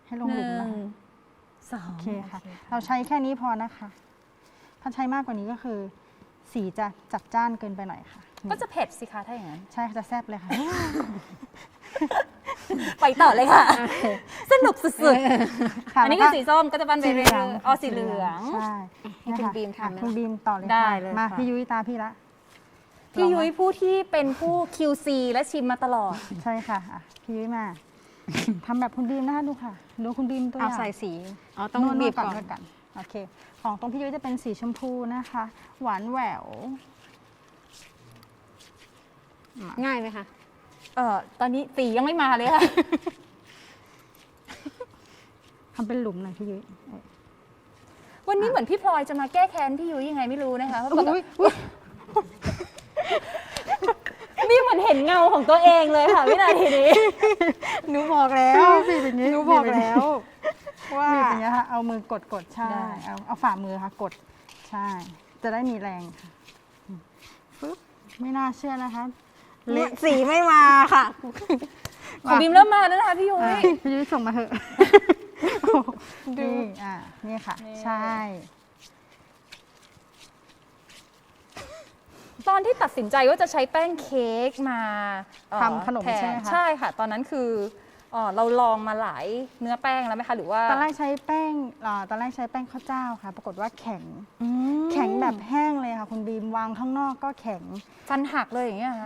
[SPEAKER 3] ให้ลงหลุม
[SPEAKER 2] 1
[SPEAKER 3] นะคะ
[SPEAKER 2] 2
[SPEAKER 3] โอเคค่ะ เราใช้แค่นี้พอนะคะถ้าใช้มากกว่านี้ก็คือ สีจะจัดจ้านเกินไปหน่อยค่ะ
[SPEAKER 2] ก็จะเผ็ดสิคะถ้าอย่างนั้น
[SPEAKER 3] ใช่ค่ะจะแซ่บเลยค่ะ
[SPEAKER 2] ไปต่อเลยค่ะ สนุกสุด
[SPEAKER 3] ค่ะ
[SPEAKER 2] ๆ อันนี้คือสีส้มก็จะปั้นไปเรื่อยๆอ๋อสีเหลือง
[SPEAKER 3] ใช่
[SPEAKER 4] ให้คุณบีม
[SPEAKER 3] ค่ะ
[SPEAKER 4] ทำนะ
[SPEAKER 3] คุณบีมต่อเลย
[SPEAKER 2] ได้
[SPEAKER 3] ค่ะ
[SPEAKER 2] เลย
[SPEAKER 3] มา
[SPEAKER 2] ค่ะ
[SPEAKER 3] พี่ยุ้ยตาพี่ละ
[SPEAKER 2] พี่ยุ้ยผู้ที่เป็นผู้ QC และชิมมาตลอด
[SPEAKER 3] ใช่ค่ะอ่ะพี่ยุ้ยมาทำแบบคุณบีมนะคะดูค่ะดูคุณบีมตัวอ
[SPEAKER 4] เอา
[SPEAKER 3] ย่าง
[SPEAKER 4] ใส่สีอ๋อต้อง
[SPEAKER 3] นวด
[SPEAKER 4] บีบ
[SPEAKER 3] ก่อน
[SPEAKER 4] ก่อน
[SPEAKER 3] นวดก่อนโอเค ของตรงพี่ยุ้ยจะเป็นสีชมพูนะคะ หวานแหวว
[SPEAKER 4] ง่ายไหมคะ
[SPEAKER 2] ตอนนี้สียังไม่มาเลยค่ะ
[SPEAKER 3] ทำเป็นหลุมหน่อยพี่ยุ้ย
[SPEAKER 2] วันนี้เหมือนพี่พลอยจะมาแก้แค้นพี่ยุ้ยยังไงไม่รู้นะคะเพราะปกติ
[SPEAKER 3] อุ๊ย
[SPEAKER 2] นี่เหมือนเห็นเงาของตัวเองเลยค่ะวินาทีนี้
[SPEAKER 3] หนูบอกแล้วบีบอย่างนี้
[SPEAKER 4] หนูบอกแล้ว ว่า
[SPEAKER 3] บีบอย่างนี้ค่ะเอามือกดใช่
[SPEAKER 2] ได้
[SPEAKER 3] เอาฝ่ามือค่ะกดใช่ จะได้มีแรงค่ะปึ๊บไม่น่าเชื่อนะคะ
[SPEAKER 4] สีไม่มาค่ะ
[SPEAKER 2] ของบีมเริ่มมาแล้วนะคะพี่ยุ้ย
[SPEAKER 3] พี่ยุ้ยส่งมาเถอะนี่นี่ค่ะ
[SPEAKER 2] นี่
[SPEAKER 3] ใช่
[SPEAKER 2] ตอนที่ตัดสินใจว่าจะใช้แป้งเค้กมา
[SPEAKER 3] ทำขนม
[SPEAKER 2] แท
[SPEAKER 3] ใช่ไหมคะ
[SPEAKER 2] ใช่ค่ะ ตอนนั้นคือเราลองมาหลายเนื้อแป้งแล้วไหมคะหรือว่า
[SPEAKER 3] ตอนแรกใช้แป้งตอนแรกใช้แป้งข้าวเจ้าค่ะ ปรากฏว่าแข็ง
[SPEAKER 2] อืม
[SPEAKER 3] แข็งแบบแห้งเลยค่ะคุณบีมวางข้างนอกก็แข็ง
[SPEAKER 2] ฟันหักเลยอย่างเงี้ยคะ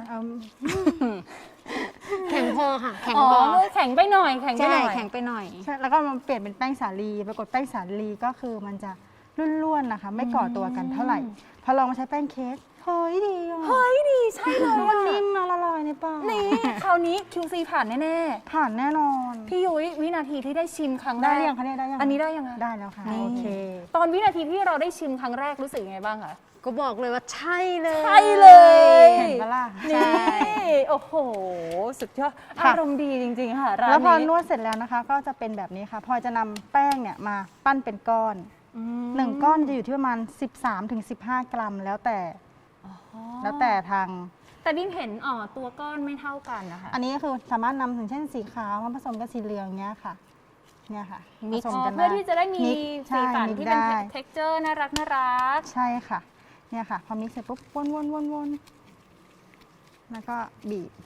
[SPEAKER 4] แข็งพอค่ะ แข็ง
[SPEAKER 2] อ๋อ
[SPEAKER 4] พอ
[SPEAKER 2] แข็งไปหน่อยแข็งไป
[SPEAKER 4] ใช่
[SPEAKER 2] หน่อย
[SPEAKER 4] แข็งไปหน่อย
[SPEAKER 3] ใช่แล้วก็มาเปลี่ยนเป็นแป้งสาลี ปรากฏแป้งสาลีก็คือมันจะร่วนๆนะคะ ไม่ก่อตัวกันเท่าไหร่ พอลองมาใช้แป้งเค้กเฮ้ยดีอ่ะ
[SPEAKER 2] เฮ้ยดีใช่เลย
[SPEAKER 3] มัน
[SPEAKER 2] อะ
[SPEAKER 3] นิ่มมาละลายในปาก
[SPEAKER 2] นี่คราวนี้ QC ผ่านแน่
[SPEAKER 3] ผ่านแน่นอน
[SPEAKER 2] ๆพี่ยุ้ยวินาทีที่ได้ชิมครั้งแร
[SPEAKER 3] ได้
[SPEAKER 2] ก
[SPEAKER 3] ยังคะเนี่ยได้ยัง
[SPEAKER 2] อันนี้ได้ยังไง
[SPEAKER 3] ได้แล้วค่ะ
[SPEAKER 2] นี่
[SPEAKER 3] โอเค
[SPEAKER 2] ตอนวินาทีที่เราได้ชิมครั้งแรกรู้สึกยังไงบ้างคะ
[SPEAKER 4] ก็บอกเลยว่าใช่เลย
[SPEAKER 2] ใช่เลย
[SPEAKER 3] เห็นปะล่ะ
[SPEAKER 2] นี่โอ้โห สุดยอด
[SPEAKER 3] ค่ะ
[SPEAKER 2] อารมณ์ดีจริง ๆ ค่ะร้าน
[SPEAKER 3] แล้วพอ
[SPEAKER 2] นี้
[SPEAKER 3] นวดเสร็จแล้วนะคะ ก็จะเป็นแบบนี้ค่ะพลอยจะนำแป้งเนี่ยมาปั้นเป็นก้อน
[SPEAKER 2] อืม
[SPEAKER 3] หนึ่งก้อนจะอยู่ที่ประมาณ 13-15 กรัมแล้วแต่ทาง
[SPEAKER 2] แต่บิมเห็นตัวก้อนไม่เท่ากันนะคะ
[SPEAKER 3] อันนี้ก็คือสามารถนำถึงเช่นสีขาวมาผสมกับสีเหลืองเงี้ยค่ะ เนี่ยค่ะ
[SPEAKER 4] มิ
[SPEAKER 3] ผ
[SPEAKER 4] กซ์
[SPEAKER 3] สมกัน
[SPEAKER 2] เพื่อที่จะได้มี
[SPEAKER 3] มิก
[SPEAKER 2] สี
[SPEAKER 3] ใช่
[SPEAKER 2] สัน
[SPEAKER 3] มิก
[SPEAKER 2] ที่เป็น
[SPEAKER 3] ได้
[SPEAKER 2] texture น่ารักน่ารัก
[SPEAKER 3] ใช่ค่ะ เนี่ยค่ะ พอมิกซ์เสร็จปุ๊บวนแล้วก็บีบ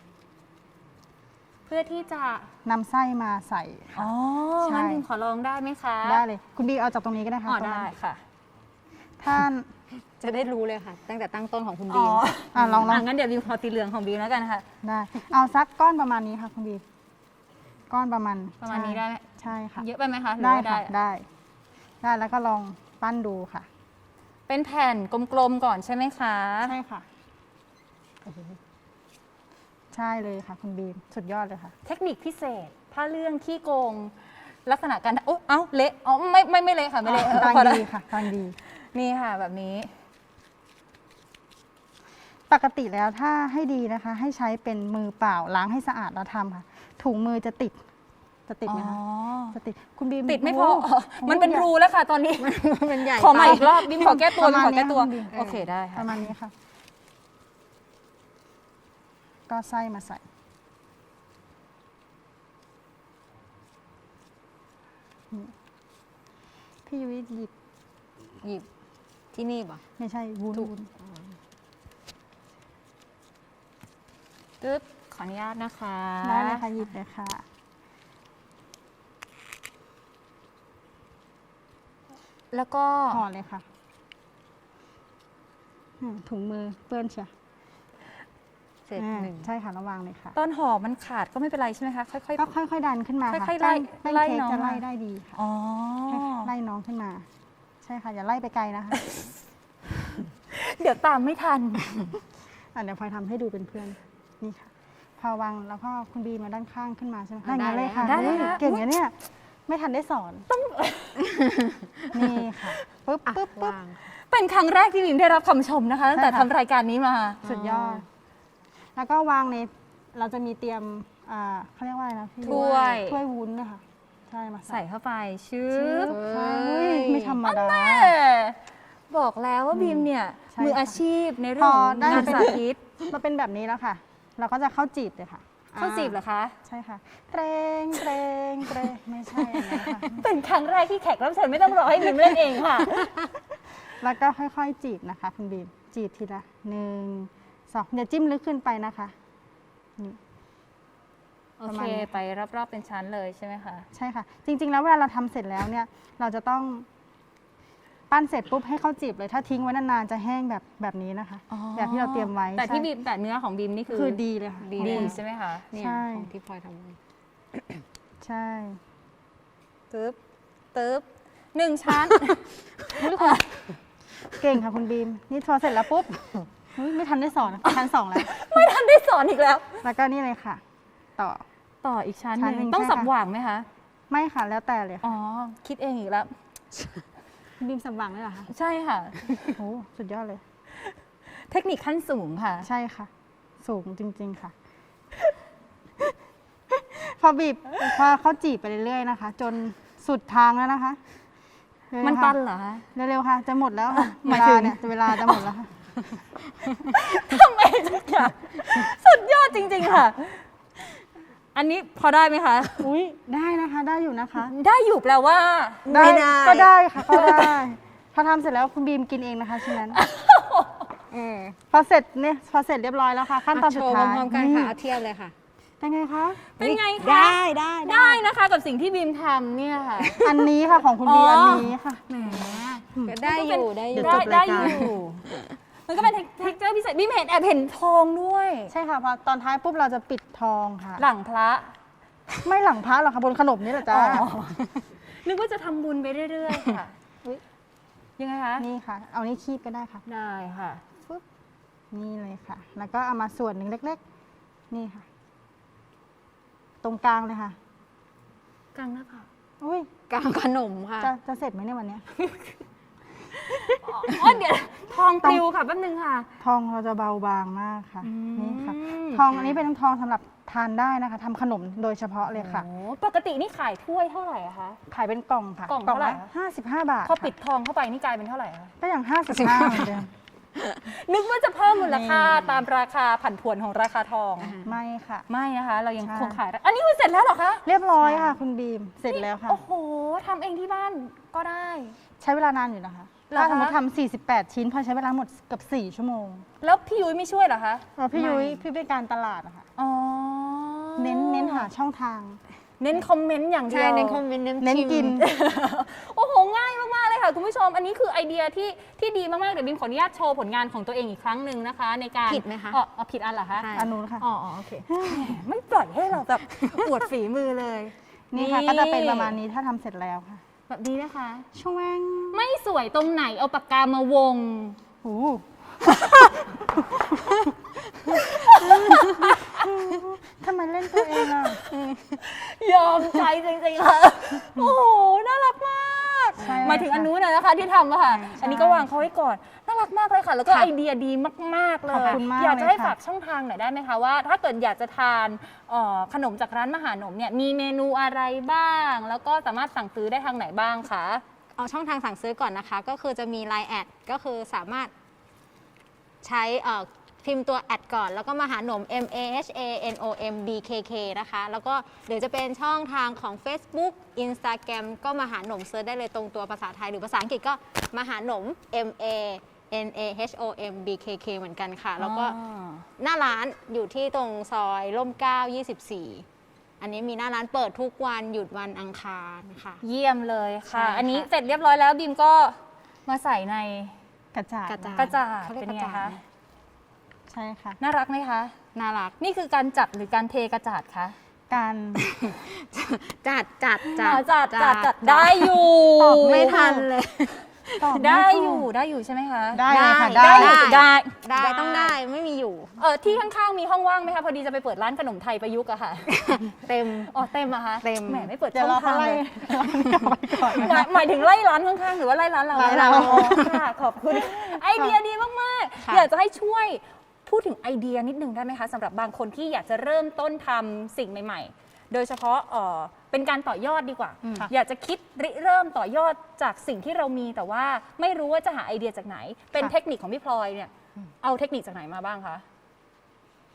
[SPEAKER 2] เพื่อที่จะ
[SPEAKER 3] นำไส้มาใส่ค่ะ
[SPEAKER 2] อ๋อ
[SPEAKER 3] ใช่
[SPEAKER 2] งั้นบิมขอลองได้ไหมคะ
[SPEAKER 3] ได้เลย คุณบีเอาจากตรงนี้ก็ได้ค่ะ
[SPEAKER 2] อ๋อ
[SPEAKER 3] ตรง
[SPEAKER 2] ได้
[SPEAKER 3] นั้น
[SPEAKER 2] ค่ะ
[SPEAKER 3] ท่าน
[SPEAKER 4] จะได้รู้เลยค่ะ ตั้งแต่ตั้งต้นของคุณ
[SPEAKER 2] อ๋
[SPEAKER 4] บี
[SPEAKER 2] อ
[SPEAKER 4] ม
[SPEAKER 3] ลอง
[SPEAKER 2] งั้นเดี๋ยวบิมขอสีเหลืองของบิมแล้วกันค่ะ
[SPEAKER 3] ได้เอาสักก้อนประมาณนี้ค่ะคุณบีก้อนประมาณ
[SPEAKER 2] ประมาณนี้ได้ไหม
[SPEAKER 3] ใช่ค่ะ
[SPEAKER 2] เยอะไปไหมคะหรือ
[SPEAKER 3] ได้
[SPEAKER 2] ว่า
[SPEAKER 3] ค่ะได้แล้วก็ลองปั้นดูค่ะ
[SPEAKER 2] เป็นแผ่นกลมๆก่อนใช่ไหมคะ
[SPEAKER 3] ใช่ค่ะใช่เลยค่ะ คุณบีมสุดยอดเลยค่ะ
[SPEAKER 2] เทคนิคพิเศษ ถ้าเรื่องขี้โกง ลักษณะการโอ้เอ้าเละอ๋อไม่เละค่ะไม่เละ
[SPEAKER 3] กำลัง
[SPEAKER 2] พอแว
[SPEAKER 3] ดีค่ะกำลังดี
[SPEAKER 2] นี่ค่ะแบบนี้
[SPEAKER 3] ปกติแล้วถ้าให้ดีนะคะ ให้ใช้เป็นมือเปล่าล้างให้สะอาดแล้วทำค่ะ ถุงมือจะติดไหมคะจะติดคุณบีม
[SPEAKER 2] ติดไม่พอ
[SPEAKER 3] โโห
[SPEAKER 2] มันเป็นรูแล้วค่ะตอนนี้
[SPEAKER 4] มันใหญ่
[SPEAKER 2] ขอใหม่
[SPEAKER 4] ไป
[SPEAKER 2] อีกรอบบิมขอแก้ตัว
[SPEAKER 3] ประ
[SPEAKER 2] บิม
[SPEAKER 3] มาณ
[SPEAKER 2] ขอแก้ตัว
[SPEAKER 3] นี้ค่ะ
[SPEAKER 2] โอเคได้
[SPEAKER 3] ป
[SPEAKER 2] ค่ะ
[SPEAKER 3] ระมาณนี้ค่ะ ก็ไส้มาใส่พี่ยุ้ยหยิบ
[SPEAKER 4] หยิบที่นี่ป่ะ
[SPEAKER 3] ไม่ใช่วุ้น
[SPEAKER 4] ถูก
[SPEAKER 3] วุ้น
[SPEAKER 2] ตึ๊บขออนุญาตนะคะ
[SPEAKER 3] ได้เลยค่ะหยิบเลยค่ะ
[SPEAKER 2] แล้วก็
[SPEAKER 3] ห่อเลยค่ะถุงมือเปื้อนเชียว
[SPEAKER 4] เสร็จหนึ่ง
[SPEAKER 3] ใช่ค่ะระวังเลยค่ะ
[SPEAKER 2] ตอนห่อมันขาดก็ไม่เป็นไรใช่ไหมคะค่อย
[SPEAKER 3] ก็ค่อยๆดันขึ้นมาค่ะ
[SPEAKER 2] ค่อยๆไล่
[SPEAKER 3] แป้ง
[SPEAKER 2] ไล่
[SPEAKER 3] เค้ก
[SPEAKER 2] น้อง
[SPEAKER 3] จะไล่
[SPEAKER 2] มา
[SPEAKER 3] ได้ดีค่ะ
[SPEAKER 2] ๆอ๋อ
[SPEAKER 3] ไล่น้องขึ้นมา ใช่ค่ะ อย่าไล่ไปไกลนะคะ
[SPEAKER 2] เดี๋ยวตามไม่ทัน
[SPEAKER 3] เดี๋ยวพลอยทำให้ดูเป็นเพื่อน นี่ค่ะ พอวางแล้วก็คุณบีมาด้านข้างขึ้นมาใช่ไหม
[SPEAKER 4] ได้
[SPEAKER 3] งั้นเลยค่ะ
[SPEAKER 2] ได้เลย
[SPEAKER 3] เฮ้ย
[SPEAKER 2] ค่ะ
[SPEAKER 3] เก่งนะเนี่ย ไม่ทันได้สอนนี่ค่ะปึ๊บ
[SPEAKER 4] อ่ะ
[SPEAKER 3] ปึ๊บปึ๊บ
[SPEAKER 4] วาง
[SPEAKER 2] เป็นครั้งแรกที่บิมได้รับคำชมนะคะตั้งแต่
[SPEAKER 3] ใช่ค่ะ
[SPEAKER 2] ทำรายการนี้มา
[SPEAKER 3] สุดยอด แล้วก็วางในเราจะมีเตรียมเขาเรียกว่าอะไรนะพี่
[SPEAKER 2] ถ้วย
[SPEAKER 3] ถ้วยวุ้นนะคะใช่มา
[SPEAKER 2] ใส่เข้าไปชึ
[SPEAKER 3] ชึ
[SPEAKER 2] บบ
[SPEAKER 3] ใช่เฮ้ยไม่ธรรมดา
[SPEAKER 2] บอกแล้วว่าบีมเนี่ย
[SPEAKER 3] ใช่
[SPEAKER 2] มือ
[SPEAKER 3] ค่ะ
[SPEAKER 2] อาชีพในเรื่องของ
[SPEAKER 3] พอได้
[SPEAKER 2] งาน
[SPEAKER 3] เป็น
[SPEAKER 2] สาธิต
[SPEAKER 3] มาเป็นแบบนี้แล้วค่ะ เราก็จะเข้าจีบเลยค่ะ
[SPEAKER 2] ข้าวจีบเหรอคะ
[SPEAKER 3] ใช่ค่ะเตรงเตรงเตรงไม่ใช่อันนั้นค่ะ
[SPEAKER 2] เป็นครั้งแรกที่แขกรับเชิญไม่ต้องรอให้บีมเล่นเองค่ะ
[SPEAKER 3] แล้วก็ค่อยๆจีบนะคะคุณบีมจีบทีละ1 2อย่าจิ้มลึกขึ้นไปนะคะนี่
[SPEAKER 2] โอ
[SPEAKER 3] ประ
[SPEAKER 2] เค
[SPEAKER 3] มาณนี้
[SPEAKER 2] ไปรอบๆเป็นชั้นเลยใช่ไหมคะ
[SPEAKER 3] ใช่ค่ะ จริงๆแล้วเวลาเราทำเสร็จแล้วเนี่ย เราจะต้องปั้นเสร็จปุ๊บให้เข้าจีบเลยถ้าทิ้งไว้นานๆจะแห้งแบบนี้นะคะ แบบที่เราเตรียมไว้
[SPEAKER 2] แต่ที่
[SPEAKER 3] ใช่
[SPEAKER 2] บีมแต่เนื้อของบีมนี่คือ
[SPEAKER 3] คือดีเลยค่ะ
[SPEAKER 2] ดี
[SPEAKER 3] ของคุณ
[SPEAKER 2] ใช่ไหมคะ
[SPEAKER 4] เนี่ย
[SPEAKER 3] ใช่
[SPEAKER 4] ของที่พลอยทำไว้
[SPEAKER 3] ใช่
[SPEAKER 2] ตึ๊บตึ๊บ1 ชั้น
[SPEAKER 3] เก่งค่ะคุณบีม นี่พอเสร็จแล้วปุ๊บเฮ้ยไม่ทันได้สอนชั้น 2 แล้ว
[SPEAKER 2] ไม่ทันได้สอนอีกแล้ว
[SPEAKER 3] แล้วก็นี่เลยค่ะ ต่อ
[SPEAKER 2] ต่ออีกชั้นห
[SPEAKER 3] ชั้น
[SPEAKER 2] นึ่ง
[SPEAKER 3] หนึ่ง
[SPEAKER 2] ต้อง
[SPEAKER 3] ใช่
[SPEAKER 2] สับ
[SPEAKER 3] ค่ะ
[SPEAKER 2] หว่างไหมคะ
[SPEAKER 3] ไม่ค่ะแล้วแต่เลยค่ะ
[SPEAKER 2] อ๋อ คิดเองอีกแล้ว
[SPEAKER 3] คุณบีมสับหวังเลยเหรอคะ
[SPEAKER 2] ใช่ค่ะ
[SPEAKER 3] โอ้สุดยอดเลย
[SPEAKER 2] เทคนิคขั้นสูงค่ะ
[SPEAKER 3] ใช่ค่ะ สูงจริง ๆค่ะ พอบีบพอเขาจีบไปเรื่อยๆนะคะ จนสุดทางแล้วนะคะเร็วๆ
[SPEAKER 2] มัน
[SPEAKER 3] ค่ะ
[SPEAKER 2] ตันเหรอคะ
[SPEAKER 3] เร็วๆค่ะ จะหมดแล้วค่ะ
[SPEAKER 2] หมายถึง
[SPEAKER 3] เวลาจะหมดแล้วค่ะ
[SPEAKER 2] ทำไมทุกอย่างสุดยอดจริง ๆ ค่ะ อันนี้พอได้ไหมคะ
[SPEAKER 3] อุ้ยได้นะคะ ได้อยู่นะคะ
[SPEAKER 2] ได้อยู่แปลว่า
[SPEAKER 4] ไม่ได้
[SPEAKER 3] ก็ได้ค่ะก็ได้พอทำเสร็จแล้วคุณบีมกินเองนะคะชิ้นนั้นพอเสร็จเรียบร้อยแล้วค่ะ ขั้นตอน
[SPEAKER 4] โช
[SPEAKER 3] สุด
[SPEAKER 4] ว์
[SPEAKER 3] ท้าย
[SPEAKER 4] พร้อมๆกันค่ะเอาเทียบเลยค่ะ
[SPEAKER 3] เป็นไงคะ
[SPEAKER 2] เป็นไงคะ
[SPEAKER 4] ได้ได้
[SPEAKER 2] ได้นะคะกับสิ่งที่บีมทำเนี่ยค่ะ
[SPEAKER 3] อันนี้ค่ะของคุณบี
[SPEAKER 2] อ๋ออั
[SPEAKER 3] อันนี้ค่ะ
[SPEAKER 2] แหม
[SPEAKER 4] ก็ได้อยู่ได้อยู่
[SPEAKER 3] เดี๋ยวจบรายการ
[SPEAKER 2] ได้อยู่ มันก็เป็นเท็กเจอร์พิเศษบีมแอบเห็นทองด้วย
[SPEAKER 3] ใช่ค่ะพอตอนท้ายปุ๊บเราจะปิดทองค่ะ
[SPEAKER 2] หลังพระ
[SPEAKER 3] ไม่หลังพระหรอกค่ะบนขนมนี่แหละจ้า
[SPEAKER 2] อ๋อนึกว่าจะทำบุญไปเรื่อยๆค่ะ
[SPEAKER 3] อุ๊ย
[SPEAKER 2] ยังไงคะ
[SPEAKER 3] นี่ค่ะ เอานี่คีบก็ได้ค่ะ
[SPEAKER 2] ได้ค่ะ
[SPEAKER 3] ปุ๊บนี่เลยค่ะ แล้วก็เอามาส่วนหนึ่งเล็กๆ นี่ค่ะ ตรงกลางเลยค่ะ
[SPEAKER 2] กลางหน้าผาก
[SPEAKER 3] อุ้ย
[SPEAKER 4] กลางขนมค่ะ
[SPEAKER 3] จะเสร็จไหมเนี่ยวันเนี้ย
[SPEAKER 2] อ๋อเดี๋ยวทองปลิวค่ะแป๊บนึงค่ะ
[SPEAKER 3] ทองเราจะเบาบางมากค่ะ
[SPEAKER 2] อืม
[SPEAKER 3] นี่ค่ะ ทองอันนี้เป็นทองสำหรับทานได้นะคะทำขนมโดยเฉพาะเลยค่ะ
[SPEAKER 2] โอ้ปกตินี่ขายถ้วยเท่าไหร่อะคะ
[SPEAKER 3] ขายเป็นกล่องค่ะ
[SPEAKER 2] กล่องเท่าไหร่
[SPEAKER 3] ละ
[SPEAKER 2] คะ
[SPEAKER 3] 55 บาท
[SPEAKER 2] พอปิด
[SPEAKER 3] ค่ะ
[SPEAKER 2] ทองเข้าไปนี่กลายเป็นเท่าไหร่คะ
[SPEAKER 3] ก็อย่าง55เหมือนเดิม
[SPEAKER 2] นึกว่าจะเพิ่มมูลค่าตามราคาผันผวนของราคาทอง
[SPEAKER 3] ไม่ค่ะ
[SPEAKER 2] ไม่นะคะ เรายัง
[SPEAKER 3] ใช่
[SPEAKER 2] คงขายอันนี้คือเสร็จแล้วเหรอคะ
[SPEAKER 3] เรียบร้อยค่ะ คุณบีม เสร็จแล้วค่ะ
[SPEAKER 2] โอ้โหทำเองที่บ้านก็ได้
[SPEAKER 3] ใช้เวลานานอยู่นะคะ
[SPEAKER 2] เหรอคะ
[SPEAKER 3] ถ้าสมมติทำ48 ชิ้น พอใช้เวลาหมดเกับ4 ชั่วโมง
[SPEAKER 2] แล้วพี่ยุ้ยไม่ช่วยเหรอคะ
[SPEAKER 3] พี่ยุ้ยพี่เป็นการตลาดนะคะ
[SPEAKER 2] อ๋อ
[SPEAKER 3] เน้นหาช่องทาง
[SPEAKER 2] เน้นคอมเมนต์อย่างเดียว
[SPEAKER 4] ใช่เน้นคอมเมนต์
[SPEAKER 3] เน้
[SPEAKER 4] เน้
[SPEAKER 3] น
[SPEAKER 4] น
[SPEAKER 3] กิ
[SPEAKER 4] กิ
[SPEAKER 3] น
[SPEAKER 4] น
[SPEAKER 2] โอ้โห ง่ายมาก ๆ เลยค่ะ คุณผู้ชม อันนี้คือไอเดียที่ดีมาก ๆ เดี๋ยวบิมขออนุญาตโชว์ผลงานของตัวเองอีกครั้งหนึ่งนะคะ ในการ
[SPEAKER 4] ผิดไหมคะ
[SPEAKER 2] อ๋อผิดอันเหรอคะ
[SPEAKER 4] ใช่
[SPEAKER 3] อันนู้นค่ะ
[SPEAKER 2] อ๋อโอเคแหมไม่ปล่อยให้เราแบบอวดฝีมือเลย
[SPEAKER 3] นี่ค่ะ ก็จะเป็นประมาณนี้ถ้าทำเสร็จแล้วค่ะ
[SPEAKER 2] แบบนี้นะคะ
[SPEAKER 3] ช่วง
[SPEAKER 2] ไม่สวยตรงไหนเอาปากกามาวง
[SPEAKER 3] โอ้ทำไมเล่นตัวเองอ่ะ
[SPEAKER 2] ยอมใจจริง ๆ ค่ะ โอ้โห น่ารักมาก
[SPEAKER 3] ใช่
[SPEAKER 2] หมายถึงอันนู้นน่ะนะคะที่ทำอะค่ะ อันนี้ก็วางเขาไว้ก่อน น่ารักมากเลยค่ะ แล้วก็ไอเดียดีมาก ๆ เล
[SPEAKER 3] ขอบ
[SPEAKER 2] ย
[SPEAKER 3] คุณมาก
[SPEAKER 2] อยากจะให้
[SPEAKER 3] เลยค่ะ
[SPEAKER 2] ฝากช่องทางหน่อยได้ไหมคะว่า ถ้าเกิดอยากจะทานขนมจากร้านมหาหนมเนี่ย มีเมนูอะไรบ้าง แล้วก็สามารถสั่งซื้อได้ทางไหนบ้างคะ
[SPEAKER 4] เอาช่องทางสั่งซื้อก่อนนะคะ ก็คือจะมี Line แอดก็คือสามารถใช้พิมพ์ตัวแอดก่อน แล้วก็มาหาหนม MAHANOMBKK นะคะ แล้วก็หรือจะเป็นช่องทางของ Facebook Instagram ก็มาหาหนมเซิร์ชได้เลยตรงตัวภาษาไทยหรือภาษาอังกฤษก็มาหาหนม MANAHOMBKK เหมือนกันค่ะ แล้วก็หน้าร้านอยู่ที่ตรงซอยร่มเกล้า24 อันนี้มีหน้าร้านเปิดทุกวันหยุดวันอังคารค่ะ
[SPEAKER 2] เยี่ยมเลยค่ะ
[SPEAKER 4] ใช่ค่ะ
[SPEAKER 2] อันนี้เสร็จเรียบร้อยแล้วบิมก็มาใส่ใน
[SPEAKER 3] กระจาด
[SPEAKER 4] กระจาด
[SPEAKER 2] กระจาด
[SPEAKER 4] เขาเรียก
[SPEAKER 2] เป็น
[SPEAKER 4] ก
[SPEAKER 2] ไง
[SPEAKER 4] ระจา
[SPEAKER 2] คะ
[SPEAKER 4] ด
[SPEAKER 3] ใช่ค่ะ
[SPEAKER 2] น่ารักไหมคะ
[SPEAKER 4] น่ารัก
[SPEAKER 2] นี่คือการจับหรือการเทกระจาดคะ
[SPEAKER 3] การ
[SPEAKER 4] จัด
[SPEAKER 2] อ๋อจัดได้อยู่
[SPEAKER 3] ตอบ
[SPEAKER 4] ไม่ทันเลย
[SPEAKER 3] ตอบม่
[SPEAKER 2] ได้
[SPEAKER 3] ถูก
[SPEAKER 2] อยู่ใช่ไหมคะ
[SPEAKER 3] ได้เลยค่ะ
[SPEAKER 2] ได้
[SPEAKER 3] ได้
[SPEAKER 2] อยู่ได้
[SPEAKER 4] ได้ต้องได้ไม่มีอยู่
[SPEAKER 2] ที่ข้างๆมีห้องว่างไหมคะพอดีจะไปเปิดร้านขนมไทยประยุกต์อะค่ะ
[SPEAKER 4] เต็ม
[SPEAKER 2] อ๋อเต็มอะคะ
[SPEAKER 4] เต็ม
[SPEAKER 2] แหมไม่เปิด
[SPEAKER 3] เดี๋ย
[SPEAKER 2] ช่
[SPEAKER 3] ว
[SPEAKER 2] อง
[SPEAKER 3] เรา
[SPEAKER 2] ทาง
[SPEAKER 3] ไล่
[SPEAKER 2] เลย
[SPEAKER 3] ก่อนนะ
[SPEAKER 2] หมาย
[SPEAKER 3] คะ
[SPEAKER 2] หมายถึงไล่ร้านข้างๆหรือว่าไล่ร้านเรา
[SPEAKER 3] ไล่เรา
[SPEAKER 2] อ๋อค่ะขอบคุณไอเดียดีมากๆ
[SPEAKER 4] ค่ะ
[SPEAKER 2] อยากจะให้ช่วยพูดถึงไอเดียนิดนึงได้ไหมคะสำหรับบางคนที่อยากจะเริ่มต้นทำสิ่งใหม่ ๆ โดยเฉพาะเป็นการต่อยอดดีกว่า อยากจะคิดริเริ่มต่อยอดจากสิ่งที่เรามีแต่ว่าไม่รู้ว่าจะหาไอเดียจากไหน เป็นเทคนิคของพี่พลอยเนี่ยเอาเทคนิคจากไหนมาบ้างคะ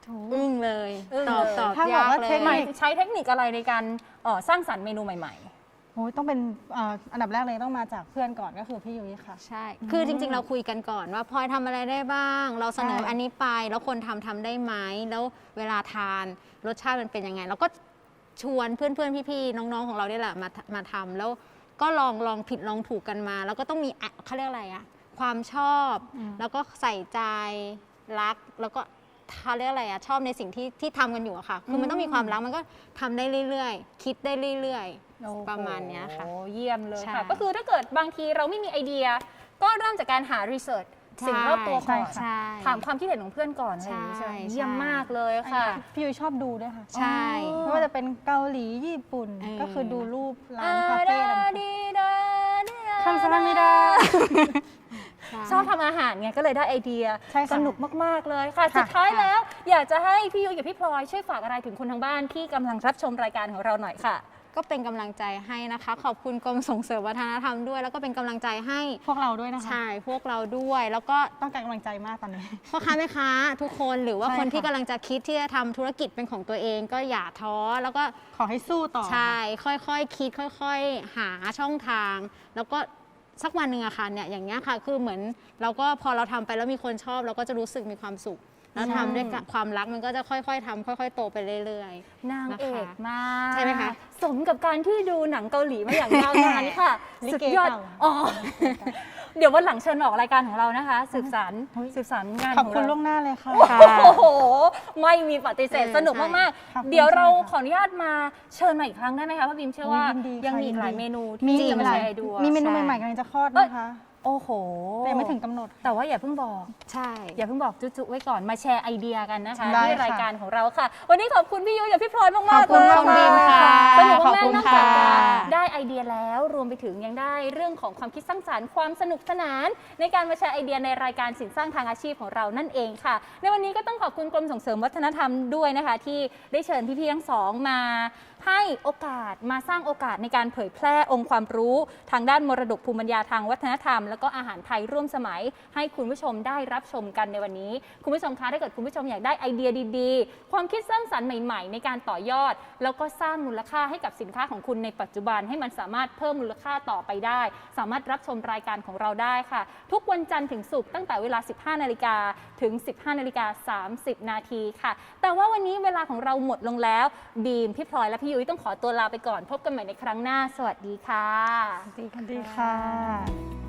[SPEAKER 4] อึ้งเลย
[SPEAKER 2] อึ้ง
[SPEAKER 4] ตอบ
[SPEAKER 2] เลย
[SPEAKER 4] ตอบ
[SPEAKER 3] ถ้าบอก
[SPEAKER 4] ยาก
[SPEAKER 3] ว่า
[SPEAKER 4] เล
[SPEAKER 3] เท
[SPEAKER 4] ย
[SPEAKER 3] ค
[SPEAKER 2] ห
[SPEAKER 3] นิ
[SPEAKER 2] มาย
[SPEAKER 3] ค
[SPEAKER 2] ใช้เทคนิคอะไรในการสร้างสรรค์เมนูใหม่
[SPEAKER 3] โอ้ยต้องเป็นอันดับแรกเลยต้องมาจากเพื่อนก่อนก็คือพี่ยุ้ยค่ะ
[SPEAKER 4] ใช่ คือจริงๆ เราคุยกันก่อนว่าพลอยทำอะไรได้บ้าง เราเสนอ
[SPEAKER 3] ใช่
[SPEAKER 4] อันนี้ไป แล้วคนทำได้ไหม แล้วเวลาทานรสชาติมันเป็นยังไง เราก็ชวนเพื่อนๆ พี่ๆ น้องๆ ของเราเนี่ยแหละมาทำแล้วก็ลองผิดลองถูกกันมา แล้วก็ต้องมีเขาเรียกอะไรอะความชอบ แล้วก็ใส่ใจรัก แล้วก็เขาเรียกอะไรอะชอบในสิ่งที่ทำกันอยู่อะค่ะ คือมันต้องมีความรัก มันก็ทำได้เรื่อยๆ คิดได้เรื่อย
[SPEAKER 2] ๆ
[SPEAKER 4] ประมาณเนี้ยค่ะ
[SPEAKER 2] โอ้เยี่ยมเลย
[SPEAKER 4] ใช่
[SPEAKER 2] ค่ะ ก็คือถ้าเกิดบางทีเราไม่มีไอเดีย ก็เริ่มจากการหารีเสิร์ชสิ่งรอบตัวก่อน
[SPEAKER 4] ใช่
[SPEAKER 2] ถามความคิดเห็นของเพื่อนก่อนอะไรอย่างนี้ใช่ไหม
[SPEAKER 4] ใช่
[SPEAKER 2] เยี่ยมมากเลยค่ะ
[SPEAKER 3] พี่ยุ้ยชอบดูด้วยค่ะ
[SPEAKER 4] ใช่
[SPEAKER 3] ไม่ว่าจะเป็นเกาหลีญี่ปุ่น ก็คือดูรูปร้านคาเฟ่ต่างๆคำสร้างไม่ได้
[SPEAKER 2] ชอบทำอาหารไงก็เลยได้ไอเดีย
[SPEAKER 3] ใช่ค่ะ
[SPEAKER 2] สนุกมาก ๆ เลยค่ะ
[SPEAKER 3] ค่ะ
[SPEAKER 2] สุดท้ายแล้ว อยากจะให้พี่ยุ้ยกับพี่พลอยช่วยฝากอะไรถึงคนทางบ้านที่กำลังรับชมรายการของเราหน่อยค่ะ
[SPEAKER 4] ก็เป็นกำลังใจให้นะคะ ขอบคุณกรมส่งเสริมวัฒนธรรมด้วย แล้วก็เป็นกำลังใจให้
[SPEAKER 3] พวกเราด้วยนะคะ
[SPEAKER 4] ใช่พวกเราด้วย แล้วก็
[SPEAKER 3] ต้องการกำลังใจมากตอนนี้
[SPEAKER 4] พ่อค้าแม่ค้าทุกคนหรือว่า
[SPEAKER 3] ใช่
[SPEAKER 4] คนที่
[SPEAKER 3] ค่ะ
[SPEAKER 4] กำลังจะคิดที่จะทำธุรกิจเป็นของตัวเองก็อย่าท้อแล้วก็
[SPEAKER 3] ขอให้สู้ต่อ
[SPEAKER 4] ใช่ค่อยๆคิดค่อยๆ หาช่องทาง แล้วก็สักวันหนึ่งอะค่ะเนี่ยอย่างเงี้ยค่ะคือเหมือนเราก็พอเราทำไปแล้วมีคนชอบเราก็จะรู้สึกมีความสุข แล้วทำด้วยความรักมันก็จะค่อยๆทำค่อยๆโตไปเรื่อยๆ
[SPEAKER 2] นางเอกมาก
[SPEAKER 4] ใช่ไหมคะ
[SPEAKER 2] สมกับการที่ดูหนังเกาหลีมาอย่างยาวนานค่ะ
[SPEAKER 3] ลิ
[SPEAKER 2] สุด
[SPEAKER 3] เก
[SPEAKER 2] ยอด
[SPEAKER 3] เก่า
[SPEAKER 2] อ๋อ เดี๋ยววันหลังเชิญมาออกรายการของเรานะคะ สืบสาร
[SPEAKER 3] เฮ้ย
[SPEAKER 2] สืบสารงาน
[SPEAKER 3] ขอบ
[SPEAKER 2] ของ
[SPEAKER 3] คุณ
[SPEAKER 2] เรา
[SPEAKER 3] ล่วงหน้าเลยค่ะ
[SPEAKER 2] โอ้โห ไม่มีปฏิเสธ
[SPEAKER 4] เออ
[SPEAKER 2] สนุก
[SPEAKER 4] ใช่
[SPEAKER 2] มาก
[SPEAKER 3] ขอบคุณ
[SPEAKER 2] ๆ เดี๋ยวเรา
[SPEAKER 3] ค่ะ
[SPEAKER 2] ขออนุญาตมาเชิญมาอีกครั้งได้ไหมคะเพราะบิมเชื่อว่า
[SPEAKER 3] ยินดีค่ะ
[SPEAKER 2] ยังมีอีกหลาย
[SPEAKER 3] ยินดี
[SPEAKER 2] เมนู
[SPEAKER 3] มี
[SPEAKER 2] ที่จะมา
[SPEAKER 3] หลาย
[SPEAKER 2] แชร์ให้ดู
[SPEAKER 3] มีเมนู
[SPEAKER 4] ใช่
[SPEAKER 3] ใหม่ๆกำลังจะคลอดนะคะ
[SPEAKER 2] โอ้โห
[SPEAKER 3] แต่ยังไม่ถึงกำหนด
[SPEAKER 2] แต่ว่าอย่าเพิ่งบอก
[SPEAKER 4] ใช่
[SPEAKER 2] อย่าเพิ่งบอกจุ๊ๆไว้ก่อนมาแชร์ไอเดียกันนะคะ
[SPEAKER 3] ได้
[SPEAKER 2] ที่
[SPEAKER 3] ค่ะ
[SPEAKER 2] รายการของเราค่ะ วันนี้ขอบคุณพี่ยุ้ยกับพี่พลอยมาก
[SPEAKER 3] ขอบ
[SPEAKER 2] ๆ
[SPEAKER 3] คุ
[SPEAKER 2] เล
[SPEAKER 3] ณ
[SPEAKER 2] ย
[SPEAKER 3] มากๆ
[SPEAKER 2] สนุก
[SPEAKER 4] ขอบ
[SPEAKER 2] มาก
[SPEAKER 4] คุณ
[SPEAKER 2] ๆนอกจากจะ
[SPEAKER 4] ค่ะ
[SPEAKER 2] ได้ไอเดียแล้วรวมไปถึงยังได้เรื่องของความคิดสร้างสรรค์ความสนุกสนาน ในการมาแชร์ไอเดียในรายการสินสร้างทางอาชีพของเรานั่นเองค่ะ ในวันนี้ก็ต้องขอบคุณกรมส่งเสริมวัฒนธรรมด้วยนะคะ ที่ได้เชิญพี่ๆทั้งสองมาให้โอกาสมาสร้างโอกาสในการเผยแพร่องค์ความรู้ ทางด้านมรดกภูมิปัญญาทางวัฒนธรรม แล้วก็อาหารไทยร่วมสมัย ให้คุณผู้ชมได้รับชมกันในวันนี้ คุณผู้ชมคะถ้าเกิดคุณผู้ชมอยากได้ไอเดียดีๆ ความคิดสร้างสรรค์ใหม่ๆ ในการต่อยอด แล้วก็สร้างมูลค่าให้กับสินค้าของคุณในปัจจุบันให้มันสามารถเพิ่มมูลค่าต่อไปได้ สามารถรับชมรายการของเราได้ค่ะ ทุกวันจันทร์ถึงศุกร์ตั้งแต่เวลา 15 นาฬิกาถึง 15 นาฬิกา 30 นาทีค่ะ แต่ว่าวันนี้เวลาของเราหมดลงแล้วบีมพี่พลอยและพี่ยุ้ยต้องขอตัวลาไปก่อนพบกันใหม่ในครั้งหน้าสวัสดีค่ะ
[SPEAKER 3] สวัสดีค่ะ